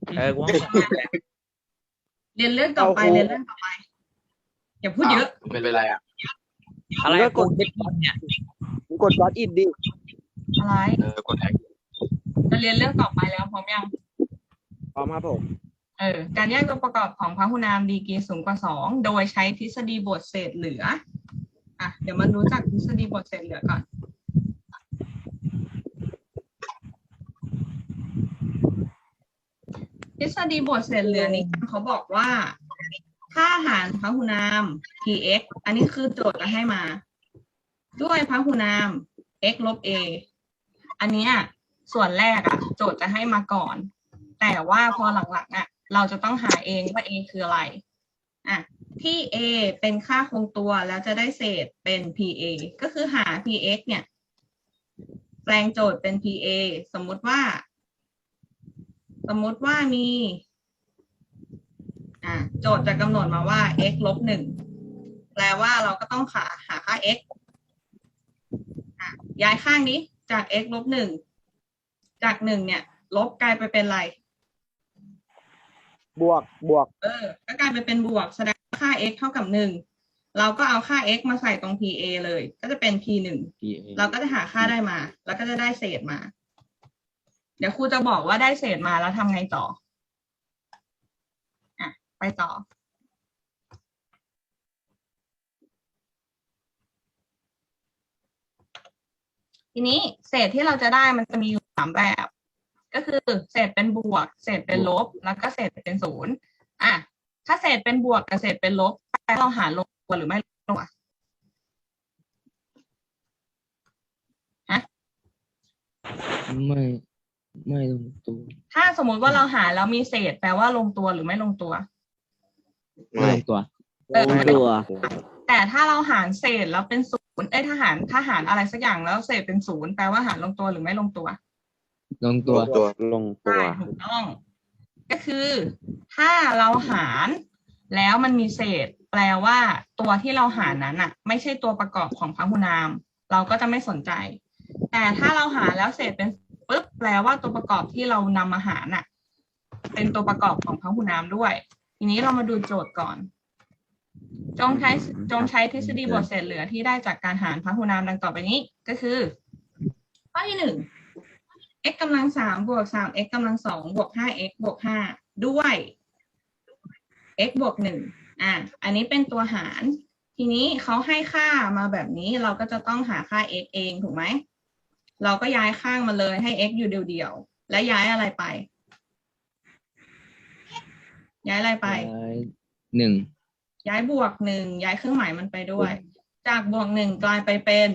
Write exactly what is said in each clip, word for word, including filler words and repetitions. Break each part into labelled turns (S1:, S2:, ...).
S1: เออกูว่าของแหละ
S2: เรียนเรื่องต่อไปเรียนเรื่องต่อไปอย่าพูดเยอะ
S3: ไม่เป็นไรอ่ะ
S1: อะไร
S4: ก็ก
S1: กู
S4: ด
S1: คิดก่อนเนี่ย
S4: มึงกดก๊อตอินดิ
S2: อะไร
S3: เออกดแท็ก
S2: จะเรียนเรื่องต่อไปแล้วพร้อมยัง
S4: พร้อมครับผม
S2: เออการแยกตัวประกอบของพหุนามดีกรีสูงกว่าสองโดยใช้ทฤษฎีบทเศษเหลืออ่ะเดี๋ยวมารู้จักทฤษฎีบทเศษเหลือก่อนทฤษฎีบทเศษเหลือนี้เขาบอกว่าค่าหารพหุนาม px อันนี้คือโจทย์จะให้มา ด้วยพหุนาม x ลบ a อันเนี้ยส่วนแรกอ่ะโจทย์จะให้มาก่อน แต่ว่าพอหลังๆอ่ะเราจะต้องหาเองว่า a คืออะไรอ่ะที่ a เป็นค่าคงตัวแล้วจะได้เศษเป็น pa ก็คือหา px เนี่ยแปลงโจทย์เป็น pa สมมุติว่า สมมุติว่ามีอ่ะโจทย์จะกำหนดมาว่า x ลบหนึ่งแปลว่าเราก็ต้องหาหาค่า x อ่ะย้ายข้างนี้จาก x ลบหนึ่งจากหนึ่งเนี่ยลบกลายไปเป็นอะไร
S4: บวกบวก
S2: เออ ก็กลายไปเป็นบวกแสดงว่าค่า x เท่ากับหนึ่งเราก็เอาค่า x มาใส่ตรง pa เลย ก็จะเป็น p หนึ่งเราก็จะหาค่าได้มา แล้วก็จะได้เศษมา เดี๋ยวครูจะบอกว่าได้เศษมาแล้วทำไงต่ออ่ะไปต่อ ทีนี้เศษที่เราจะได้มันจะมีอยู่สามแบบ ก็คือเศษเป็นบวก เศษเป็นลบ แล้วก็เศษเป็นศูนย์อ่ะถ้าเศษเป็นบวกกับเศษเป็นลบเราหารลงตัวหรือไม่ลงตัวฮะ
S5: ไม่ไม่ลงตัว
S2: ถ้าสมมุติว่าเราหารแล้วมีเศษแปลว่าลงตัวหรือไม่ลงตัว
S5: ไม่ลงตัว
S2: เออ
S4: ตัว
S2: แต่ถ้าเราหารเศษแล้วเป็นศูนย์เอ้ยถ้าหารถ้าหารอะไรสักอย่างแล้วเศษเป็นศูนย์แปลว่าหารลงตัวหรือไม่ลงตัว
S5: ลงตัว
S3: ตัว
S4: ลงตั
S2: ใช่
S4: ว
S2: ถูกต้อง ก็คือถ้าเราหารแล้วมันมีเศษ แปลว่าตัวที่เราหารนั้นอ่ะ ไม่ใช่ตัวประกอบของพหุนาม เราก็จะไม่สนใจ แต่ถ้าเราหารแล้วเศษเป็นปุ๊บแปลว่าตัวประกอบที่เรานำมาหารน่ะ เป็นตัวประกอบของพหุนามด้วย ทีนี้เรามาดูโจทย์ก่อน จงใช้จงใช้ทฤษฎีบทเศษเหลือที่ได้จากการหารพหุนามดังต่อไปนี้ก็คือข้อที่หนึ่ง x กำลังสามบวกสาม x กำลังสองบวกห้า x บวกห้าด้วย x บวกหนึ่งอ่ะอันนี้เป็นตัวหาร ทีนี้เขาให้ค่ามาแบบนี้เราก็จะต้องหาค่า x เองถูกไหม เราก็ย้ายข้างมาเลยให้ x อยู่เดียวๆและย้ายอะไรไป ย้ายอะไรไป
S5: ย้ายหนึ่ง
S2: ย้ายบวกหนึ่งย้ายเครื่องหมายมันไปด้วย จากบวกหนึ่งกลายไปเป็น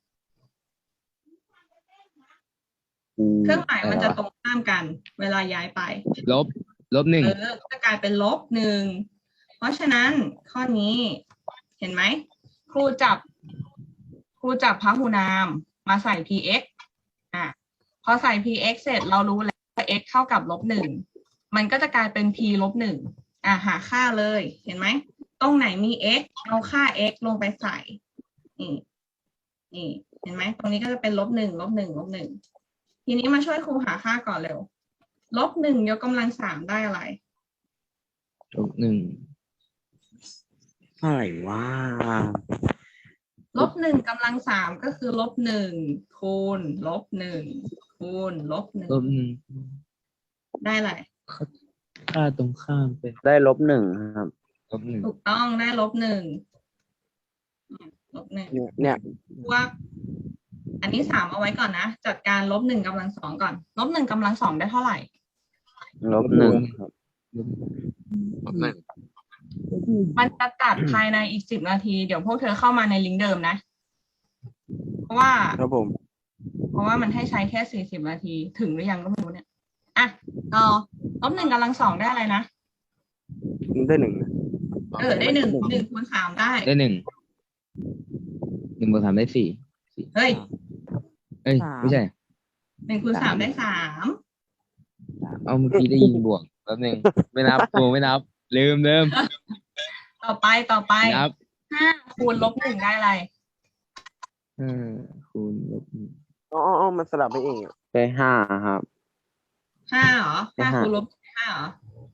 S2: เครื่องหมายมันจะตรงข้ามกัน เวลาย้ายไป
S5: ลบ ลบหนึ่ง
S2: เออจะกลายเป็นลบหนึ่ง เพราะฉะนั้นข้อนี้เห็นไหม ครูจับ ครูจับพหุนามมาใส่ px อ่ะ พอใส่ px เสร็จเรารู้แล้วว่า x เท่ากับลบหนึ่ง มันก็จะกลายเป็น p ลบหนึ่ง อ่ะหาค่าเลย เห็นไหม ตรงไหนมี x เอาค่า x ลงไปใส่ นี่ นี่ เห็นไหม ตรงนี้ก็จะเป็นลบหนึ่ง ลบหนึ่ง ลบหนึ่ง ทีนี้มาช่วยครูหาค่าก่อนเร็ว ลบหนึ่งยกกำลังสามได้อะไร
S5: ลบหนึ่ง
S4: เท่าไหร่วะ
S2: ลบหนึ่งกำลังสามก็คือลบหนึ่งคูณลบหนึ่งคูณลบหนึ่ง
S5: ลบหนึ่ง
S2: ได้อะไร
S5: ค่าตรงข้ามเป็น
S4: ได้ลบหนึ่งครับ
S5: ลบหนึ่ง
S2: ถูกต้องได้ลบหนึ่งอืมลบหนึ่ง
S4: เนี่ยเนี่ย
S2: พวกอันนี้สามเอาไว้ก่อนนะ จัดการลบหนึ่งกำลังสองก่อน ลบหนึ่งกำลังสองได้เท่าไหร่
S4: ลบหนึ่งครับ
S5: ลบ
S3: ลบหนึ่ง
S2: มันจะตัดภายในอีกสิบนาที เดี๋ยวพวกเธอเข้ามาในลิงก์เดิมนะ เพราะว่า
S4: ครับผม
S2: เพราะว่ามันให้ใช้แค่สี่สิบนาที ถึงหรือยังก็ไม่รู้เนี่ย อ่ะต่อลบหนึ่งกำลังสองได้อะไรนะ
S4: ได้หนึ่งนะ
S2: เออ ได้หนึ่งหนึ่งคูณสามได้
S5: ได้หนึ่ง หนึ่งบวกสามได้สี่สี่
S2: เฮ้ย
S5: เอ้ย ไม่ใช่
S2: หนึ่งคูณสามได้สาม
S5: เอาเมื่อกี้ได้ยินบวกแป๊บหนึงไม่นับโกไม่นับ ลืมลืม
S2: ต่อไปต่อไป
S5: ไม่นับ
S2: ห้าคูณลบหนึ่งได้อะไร
S5: ห้าคูณลบหนึ่ง
S4: อ๋ออ๋อมันสลับไปเองอะได้ห้าครับ
S2: ห้าเหรอ
S4: ได้
S2: ห้า
S4: ห้า
S2: คูณลบห้าเหรอ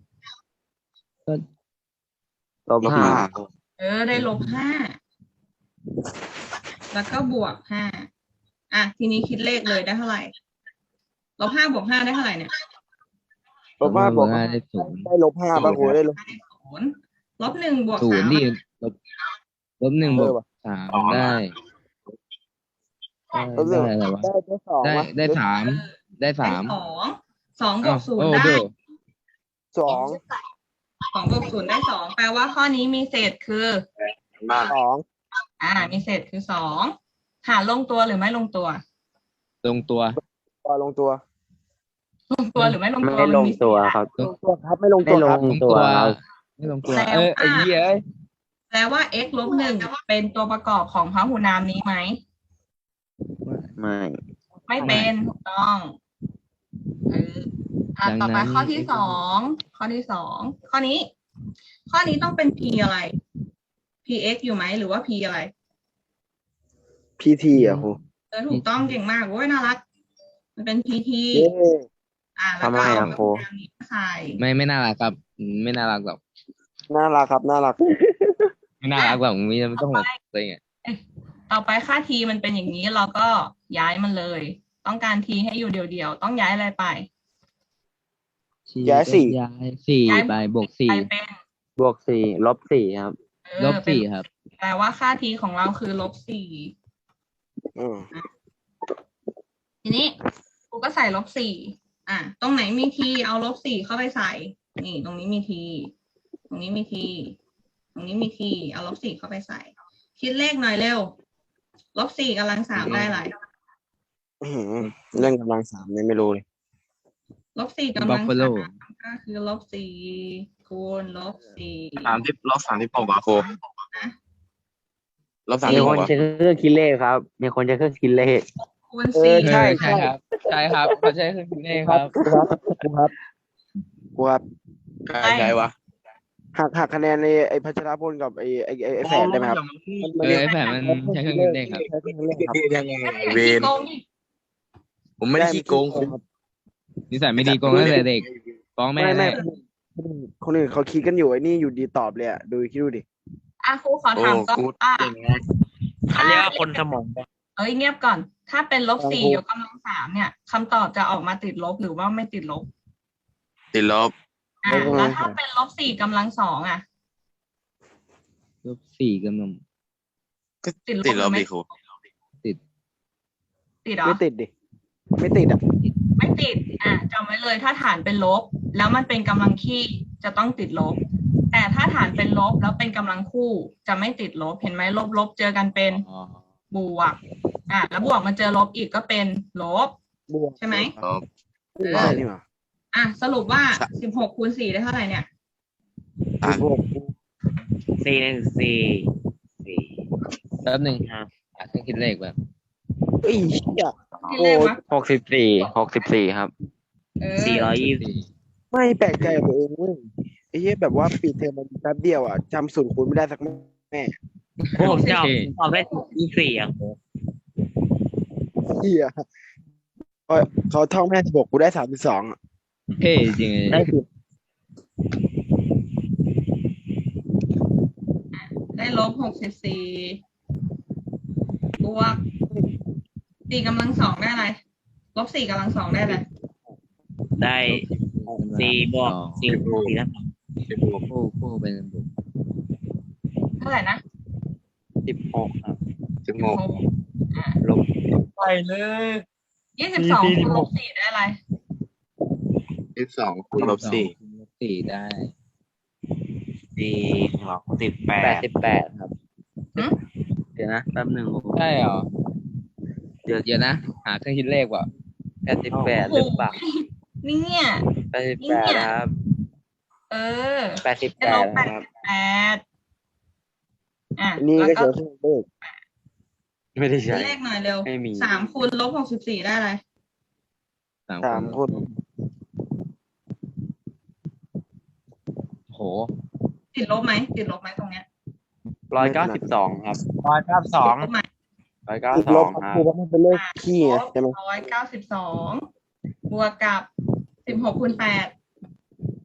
S4: ลบห้า
S2: เออ ได้ลบห้า แล้วก็บวกห้า อ่ะ ทีนี้คิดเลขเลยได้เท่าไหร่ ลบห้าบวกห้าได้เท่าไหร่เนี่ย
S4: ลบห้าบวก
S5: ห้าได้ศูนย์
S4: ได้ลบห้าป่ะครูได้ลบ
S2: ได้ศูนย์ลบหนึ่งบวก
S5: ศู
S2: สาน
S5: ย์
S2: ม
S5: ดิลบลบหนึ่งบวก
S4: เออว่ะ
S5: สามได้ได้ได้อะไรวะ
S4: ได้ได้สอง
S5: ได้
S4: วะ
S5: ได้สามได้
S2: ได้
S5: สาม
S2: สอง สองบวกศูน
S5: โอ้
S2: ย์ได้
S5: โห
S4: สอง
S2: สองบวกศูนย์ได้สองแปลว่าข้อนี้มีเศษคือ
S3: มาก
S4: สอง
S2: อ่า มีเศษคือสองหารลงตัวหรือไม่ลงตัว
S5: ลงตัว
S4: ต่อลงตัว
S2: ลงตัวหรือไม่ลงตัว
S4: ไม่ลงตัว
S2: มันมีเศษอะ
S4: ครับลงตัวครับไม่ลงตัวครับ
S5: ลงตัวไม่ลงตัว เออไอ้เหี้ยเอ้ย
S2: แปลว่า x ลบหนึ่งเป็นตัวประกอบของพหูนามนี้ไหม
S4: ไม่
S2: ไม่เป็นถูกต้องเอออ่ะ
S5: ดัง
S2: ต่อไป
S5: นั้น
S2: ข้อที่สองข้อที่สองข้อนี้ ข้อนี้ต้องเป็น p อะไร px อยู่ไหมหรือว่า p อะไร
S4: พีทีอ่ะครู
S2: เออถูกต้องเก่งมากโว้ยน่ารัก มันเป็น pt
S4: เย้
S2: อ่าแล้ว
S4: ทำไม
S2: ก็
S4: อ่ะ
S2: เอา
S4: ครู
S2: พหูนามนี้มาใส่
S5: ไม่ไม่น่ารักครับอืมไม่น่ารักหรอก
S4: น่ารักครับน่ารัก
S5: ไม่น่ารักหรอกมีไม่ต้องหลบตัวเองอะ
S2: ต่อไปค่า t มันเป็นอย่างนี้เราก็ย้ายมันเลย ต้องการ t ให้อยู่เดียวๆต้องย้ายอะไรไป
S4: ย้ายสี่
S5: ย้ายสี่
S2: ย้าย
S5: ไปบวกสี่
S2: ไปเป็น
S4: บวกสี่ลบสี่ครับ
S2: เออ
S5: ลบสี่
S2: เป็น
S5: ครับ
S2: แปลว่าค่า t ของเราคือลบสี่
S4: อืม
S2: ทีนี้กูก็ใส่ลบสี่อ่ะ ตรงไหนมี t เอาลบสี่เข้าไปใส่ นี่ ตรงนี้มี t ตรงนี้มี t ตรงนี้มี t เอาลบสี่เข้าไปใส่ คิดเลขหน่อยเร็ว ลบสี่กำลังสามได้อะไร
S4: อื้อหือเรื่องกำลังสามเนี่ยไม่รู้เลย
S2: ลบสี่กำลัง
S5: Buffalo
S2: สามก็คือลบสี่คูณลบสี่
S3: สามสิบลบสามสิบหกบาทครูลบสาม
S4: มี
S3: สิบห
S4: ค
S3: ก
S4: น
S3: บาท
S4: ใช้เครื่องคิดเลขครับ มีคนใช้เครื่องคิดเลข
S2: คูณ
S4: เอ
S2: สี่
S4: อ
S5: เอ
S4: ใช่
S5: อใช่ครับ ใช่ครับเขาใช้เครื่องคิดเลขครับ
S4: ครับครับครับ
S3: ใช่ใช่วะ
S4: หักหักคะแนนในไอ้พัชรพลกับไอ้ไอ้ไอ้ไอ้แฝดได้ไหมครับ
S5: เออไอ้แผ่นมันใช้เครื่องคิดเลขครับ
S4: ใช้เครื่องคิดเลขครับ
S3: ยังไง
S2: ไม่
S3: เว
S2: ได้
S3: ร
S2: โกงดิ
S3: ผมไม่ได้ขี้โกงครู
S5: นิสัยไม่ดีโกงตั้งแต่เด็กฟ้องแม่
S4: ไม่ไม่
S5: แน่
S4: คนอื่นคนอื่นเขาคิดกันอยู่ไอ้นี่อยู่ดีตอบเลยอ่ะดูคิดดูดิ
S2: อ่ะครูขอ
S3: โอ้
S2: ถามก่อน
S3: กู
S2: ว่า
S3: เก่งนะ
S1: เขาเรียกว่าคนสมอง
S2: เอ้ยเงียบก่อน ถ้าเป็นลบสี่ยกกำลังสามเนี่ยคำตอบจะออกมาติดลบหรือว่าไม่ติดลบ
S3: ติดลบ
S2: อ่ะแล้วถ้าเป็นลบสี่กำลังสองอ่ะ
S5: ลบสี่กำลัง
S3: ก็
S2: ติดลบ
S3: ติดลบ
S2: ไหม
S3: ดิครู
S2: ติดเหรอ
S4: ไม่ติดดิไม่ติดอ่ะ
S2: ไม่ติด อ่ะจำไว้เลย ถ้าฐานเป็นลบ แล้วมันเป็นกำลังคี่จะต้องติดลบ แต่ถ้าฐานเป็นลบแล้วเป็นกำลังคู่จะไม่ติดลบ เห็นไหมลบลบเจอกันเป็น
S5: อ๋อ
S2: บวก อ่ะแล้วบวกมาเจอลบอีกก็เป็นลบ
S4: บวก
S2: ใช่ไหม
S3: ลบ
S2: เออ
S4: ได้นี่หว่า
S2: อ่ะสรุปว่าสิบหกคูณสี่ได้เท่าไหร่เนี่ย
S3: สาม
S4: บวก
S1: สี่หนึ่งสี่สี่
S5: แป๊บหนึ่งหาเครื่องคิดเลขแบบ
S4: เอ้ยเหี้ย
S2: ที่เลขวะ
S4: หกสิบสี่หกสิบสี่ครับ
S2: เออ
S1: สี่ร้อยยี่สิบ
S5: สี่
S4: ไม่แปลกใจกับตัวเองเว้ยไอ้เหี้ยแบบว่าปิดเทอมมันแป๊บเดียวอ่ะจำสูตรคูณไม่ได้สักแม่
S1: โอ้ผมจะออกตอบได้ยี่สิบสี่อ่ะ
S4: เหี้ยเขาเขาท่องแม่สิบหกกูได้สามสิบสองอ่ะ
S5: เท่จริงเลย
S4: ได้สิบ
S2: ได้ลบหกสิบสี่บวกสี่กำลังสองได้อะไร ลบสี่กำลังสองได้อะไร
S1: ได้สี่บวกสี่สี่แล้ว
S3: สิบหก
S5: คู่คู่เป็นบวก
S2: เท่าไหร่นะ
S4: สิบหกครับ
S3: สิบหก
S2: หกอ่า
S4: ลบ
S1: ไปเลย
S2: ยี่สิบสองคูณลบสี่ได้อะไร
S3: ยี่สิบสองคูณลบสี่
S5: ลบสี่ได้
S1: สี่บวกสิบแป
S4: แปด
S1: ด
S4: สิบแปดครับ
S2: หืม
S4: เดี๋ยวนะแป๊บหนึ่ง
S5: ใช่เหรอ
S4: เดี๋ยว
S5: เดี๋ยวนะ หาเครื่องคิดเลขว่ะ
S4: แปดสิบแปดหรือเปล่า
S2: นี่เนี่ย
S4: แปดสิบแปดครับ
S2: เออ
S4: แปดสิบ
S2: ได้
S4: แป
S2: ล
S4: ด
S2: บแปด
S4: ครับ
S2: แปดอ่ะ
S4: นี่
S2: แล้ว
S4: ก็
S2: ก็
S4: เจอเครื่องเลขไม่ได้ใช้
S2: เลขหน่อยเร็ว
S4: ไม่มี
S2: สามคูณลบหกสิบสี่ได้อะไร
S5: สาม
S4: สาม
S5: ค
S4: คน น
S5: โห
S2: ติดลบไหมติดลบไหมตรงเนี้ย
S4: ร้อยเก้าสิบสองครับ
S1: ร้อยเก้าสอง
S2: ลบไหม
S4: ร้อยเก้าสิบสองครับคือว่ามันเป็นเลขขี้ไงใช่ไหม
S2: ร้อยเก้าสิบสองบวกกับสิบหกคูณแปด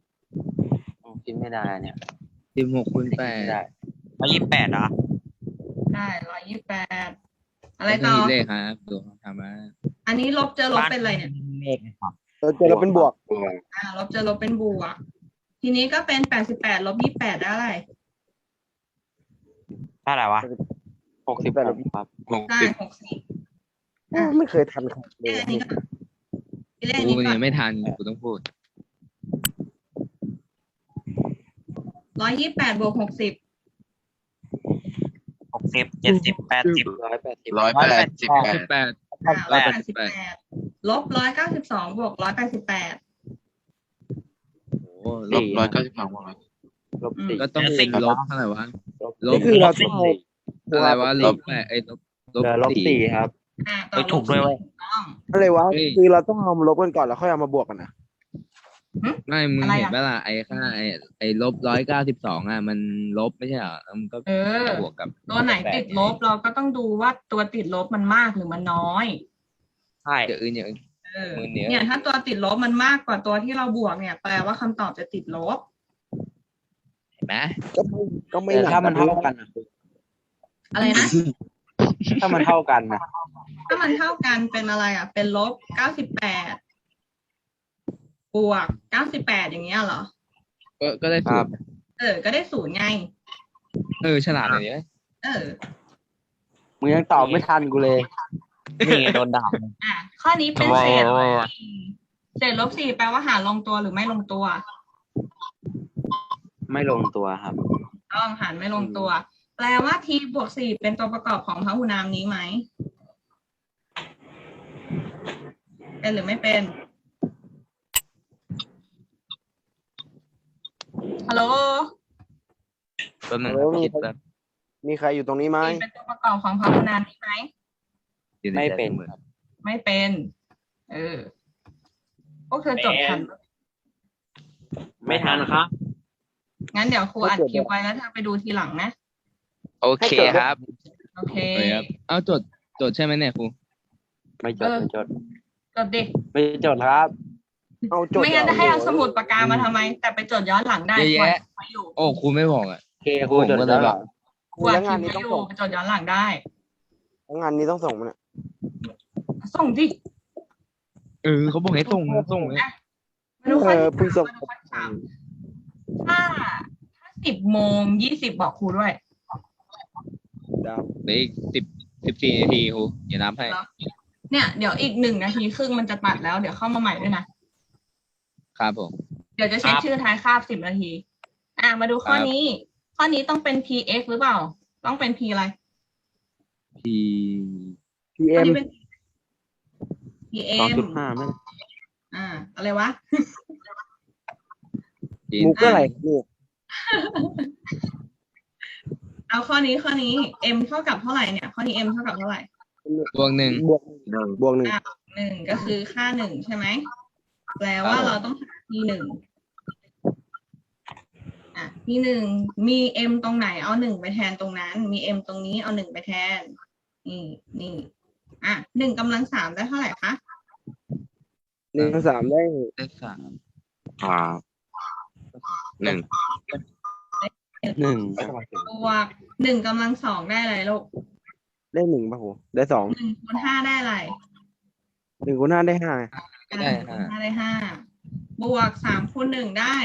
S6: คิดไม่ได้เนี่ย
S5: สิบหกคูณแปด
S6: ไม่ได้
S1: ร้อยยี่สิบแปดเหรอ
S2: ได้ร้อยยี่สิบแปดอะไร
S5: ไม่
S2: ต่อ
S5: มีเลขครับดูทำมา
S2: อันนี้ลบเจอลบเป็นอะไรเนี่ย
S1: เลขนะครับ
S4: เราเจอเราเป็นบวก
S3: บวก
S2: อ่าลบเจอลบเป็นบวกทีนี้ก็เป็นแปดสิบแปดลบยี่สิบแปดได้อะไร
S1: เท่าไหร่วะ
S6: หกสิบแปดครับ
S3: หก
S2: ได้
S3: สิบ
S2: หกสิบ
S4: ไม่เคยทันใครเล
S2: เลข
S4: ย
S2: อันนี้ก็เลขอัน
S5: กู
S2: นี้ก่อ
S5: เนี่ย
S2: น
S5: ไม่ทันกูต้องพูด
S2: ร้อยยี่สิบแปดบวกหกสิบ
S1: หกสิบเจ็ดสิบแปดสิบ
S6: ร้อยแปดสิบ
S3: ร้อยแปดสิบแป
S5: สิ
S3: ด
S5: บแปด
S2: อ่า
S5: ร้
S2: ร้อ
S5: อย ย
S2: แป
S5: แป
S2: ด
S5: ดสิ
S2: สิบบ
S5: แป
S2: แป
S5: ด
S2: ดลบร้อยเก้าสิบสองบวกร้อยแปดสิบแปด
S5: โอ้
S3: ลบร้อยเก้าสิบสองบวกร้อย
S6: ลบสี่
S5: ก็ต้องเป็นลบเท่าไหร่วะ ลบ
S4: นี่คือเราต้องเอา
S5: อะไรวะลบแปดไอ้ยลบลบ
S6: เหลือลบ
S5: สี่
S6: สี่ครับ
S2: อ่าต่
S1: เฮ้
S2: อย
S1: ถูกด้วยเว้ย
S2: ต้อง
S4: อะไรวะ
S5: เฮ้ย
S4: คือเราต้องเอามาลบกันก่อนแล้วค่อยเอามาบวกกันนะ
S5: ไม่มึง
S2: อะไร
S5: เห็น
S2: อ่ะ
S5: ปะล่ะไอ้ค่าไอ้ไอ้ลบร้อยเก้าสิบสองอ่ะมันลบไม่ใช่เหรอแล้วมันก็
S2: เออ
S5: บวกกับ
S2: ตัวไหนติดลบเราก็ต้องดูว่าตัวติดลบมันมากหรือมันน้อย
S1: ใช่
S5: เดี๋ยวอื่นอย่างอื่น
S2: เออ
S5: มือเหนียว
S2: เนี่ยถ้าตัวติดลบมันมากกว่าตัวที่เราบวกเนี่ยแปลว่าคำตอบจะติดลบ
S5: เห็นไหม
S4: ก็ไม่ก็ไม่
S6: แต่
S4: หนัก
S6: ถ้ามันเท่ากันอะ
S2: อะไรนะ
S6: ถ้ามันเท่ากันนะ
S2: ถ้ามันเท่ากันเป็นอะไรอ่ะ เป็นลบเก้าสิบแปดบวกเก้าสิบแปดอย่างเงี้ยเหรอ
S5: ก็ก็ได้สูตร
S2: เออ ก็ได้ศูนย์ไง
S5: เออฉลาดเลยเนี่ย
S2: เออ
S6: มึงยังตอบไม่ทันกูเลย
S1: นี่โดนด่า
S2: อ่ะ ข้อนี้เป็น
S1: โอ้
S2: เศษ
S1: โห
S2: เศษลบสี่แปลว่าหารลงตัวหรือไม่ลงตัว
S6: ไม่ลงตัวครับ
S2: ต้องหารไม่ลงตัว แปลว่า t บวกสี่เป็นตัวประกอบของพหูนามนี้ไหม เป็นหรือไม่เป็น ฮัลโหล
S5: แป๊บนึง
S4: แล้วมี
S5: คิด
S4: ใคร
S5: แป๊บ
S4: มีใครอยู่ตรงนี้ไหม
S2: t เป็นตัวประกอบของพหูนามนี้ไหม
S5: อยู่ใใจ
S6: ไม่เป็น
S5: สมอ
S6: ครับ
S2: ไม่เป็น เออ พวกเธอจดทันปะ
S1: ไม่ทันครับ
S2: งั้นเดี๋ยวครูอัดคลิปไว้แล้วเธอไปดูทีหลังนะ
S5: โอเคครับ
S2: โอเค
S5: โอเคครับเอาจดจดใช่ไหมเนี่ยครู
S6: ไม่จด
S2: เออ
S6: ไม่จด
S2: จดดิ
S6: ไม่จดครับ
S4: เอาจด
S2: ไม่งั้นจะให้เอา
S4: เลย
S2: สมุดปากกามาทำไม แต่ไปจดย้อนหลังได้
S5: เยอะแยะ
S2: ไว้อยู่
S5: โอ้ครูไม่บอกอ่ะ
S6: โอเคครูจด
S5: ผมก็เลย
S6: แล้วเหรอ
S2: ครูอัด
S4: แล้ว
S2: ค
S4: งา
S2: ลิ
S4: น
S2: ป
S4: นี้
S2: ไว้
S4: ต้อง
S2: อยู่
S4: ส่ง
S2: ไปจดย้อนหลังได้
S4: แล้วงานนี้ต้องส่งมันย
S2: ส่งดิ
S5: เออเขาบอกให้ส่งส่งเลย
S2: มาดูข้
S4: เอ
S2: อ
S4: อ
S2: ที่
S4: เพิ่งส่ง
S2: มาดูข้อที่สามถ้าถ้าสิบโมงยี่สิบบอกครูด้วย
S4: ดาว
S5: เหลืออีกสิบสิบสี่นาทีครูอย่านับให้
S2: เนี่ยเดี๋ยวอีกหนึ่งนาทีครึ่งมันจะตัดแล้วเดี๋ยวเข้ามาใหม่ด้วยนะครับ
S5: ผม
S2: เดี๋ยวจะเช็คชื่อท้ายคาบสิบนาที อ่ะมาดูข้อนี้ ข้อนี้ต้องเป็น พี เอ็กซ์ หรือเปล่า ต้องเป็น p อะไร
S5: พี
S4: พีเอ็
S2: ข้อ
S4: ม
S2: นี้เป็น พี เอ็
S6: สอง
S2: ม
S6: จุดห้าไม่
S2: อ่า อะไรวะ
S5: พี
S4: มุกก็อะไรลูก
S2: เอาข้อนี้ข้อนี้ m เท่ากับเท่าไหร่เนี่ย ข้อนี้ m เท่ากับเท่าไหร่
S5: บวกหนึ่ง
S4: บวกบวกหนึ่ง
S2: อ่ะหนึ่งก็คือค่าหนึ่งใช่ไหม แปลว่าเราต้องหา p หนึ่งอ่ะ p หนึ่งมี m ตรงไหนเอาหนึ่งไปแทนตรงนั้น มี m ตรงนี้เอาหนึ่งไปแทน นี่นี่อ่ะหนึ่งกำลังสามได้เท่าไหร่คะ
S4: หนึ่งสามได้
S5: เลขสาม
S3: ครับหนึ่ง
S6: หนึ่ง
S2: บวกหนึ่งกำลังสองได้อะไรลูก
S4: ได้หนึ่งป่ะโหได้สอง
S2: หนึ่งคูณห้าได้อะไร
S4: หนึ่งคูณห้าได้ห้า
S2: อ่ะหนึ่งคูณห้าได้ห้าบวกสามคูณหนึ่งได้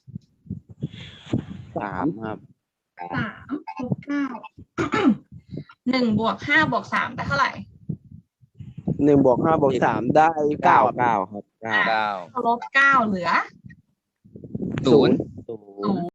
S6: สามครับ
S2: สามบวกเก้า หนึ่งบวกห้าบวกสามได้เท่าไหร่
S4: หนึ่งบวกห้าบวกสามได้เก้า
S6: เก้าเก้าครับเก้า
S5: เก้า
S2: ลบเก้าเหลือ
S5: ศูนย์
S6: ศู
S2: ศู
S6: นย์
S2: นย์